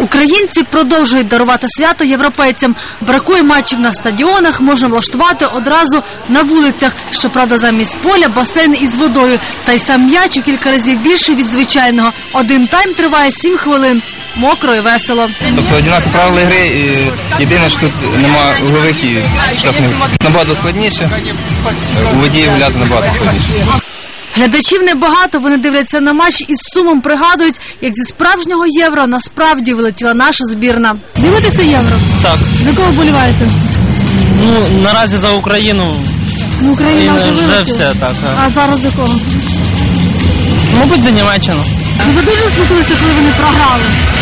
Українці продовжують дарувати свято європейцям. Бракує матчів на стадіонах, можна влаштувати одразу на вулицях. Щоправда, замість поля – басейн із водою. Та й сам м'яч у кілька разів більший від звичайного. Один тайм триває 7 хвилин. Мокро і весело. Тобто однакові правила гри, і єдине, що тут немає углових і штрафних. Набагато складніше, у воді гуляти набагато складніше. Глядачів небагато, вони дивляться на матч і з сумом пригадують, як зі справжнього євро насправді вилетіла наша збірна. Дивитеся євро? Так. За кого вболіваєте? Ну, наразі за Україну. Ну, Україна вже вилетіла. Вже все, так. А зараз за кого? Мабуть, за Німеччину. Ви дуже смутилися, коли вони програли?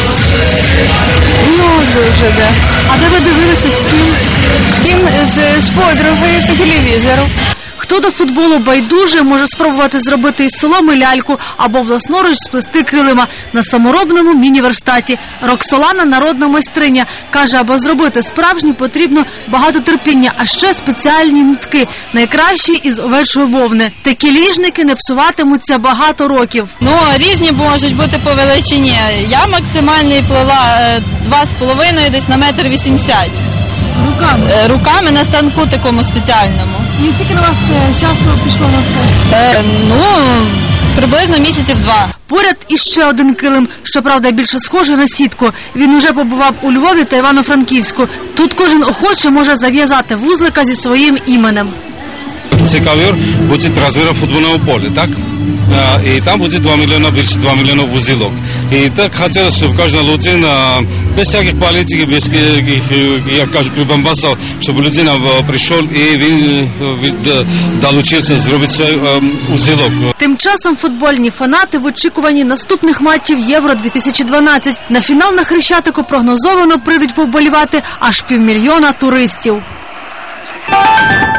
Ну, дуже, да. А де ви дивилися, з ким? З ким? З подругою по телевізору. Хто до футболу байдуже, може спробувати зробити із соломи ляльку або власноруч сплести килима на саморобному міні-верстаті. Роксолана – народна майстриня. Каже, аби зробити справжнє, потрібно багато терпіння, а ще спеціальні нитки, найкращі із овечої вовни. Такі ліжники не псуватимуться багато років. Ну, різні можуть бути по величині. Я максимальний плела 2,5 десь на 1,80 м. Руками? Руками на станку такому спеціальному. І скільки на вас часу пішло на це? Ну, приблизно місяців 2. Поряд іще один килим, щоправда, більше схожий на сітку. Він уже побував у Львові та Івано-Франківську. Тут кожен охоче може зав'язати вузлика зі своїм іменем. Цікавір буде розміром футбольного поля, так? І там буде 2 мільйона, більше 2 мільйона вузілок. І так хотілося, щоб кожна людина, без всяких політиків, без яких, як кажуть, прибамбасів, щоб людина прийшов і він долучився зробити свій узілок. Тим часом футбольні фанати в очікуванні наступних матчів Євро-2012. На фінал на Хрещатику прогнозовано прийдуть повболівати аж 500 000 туристів.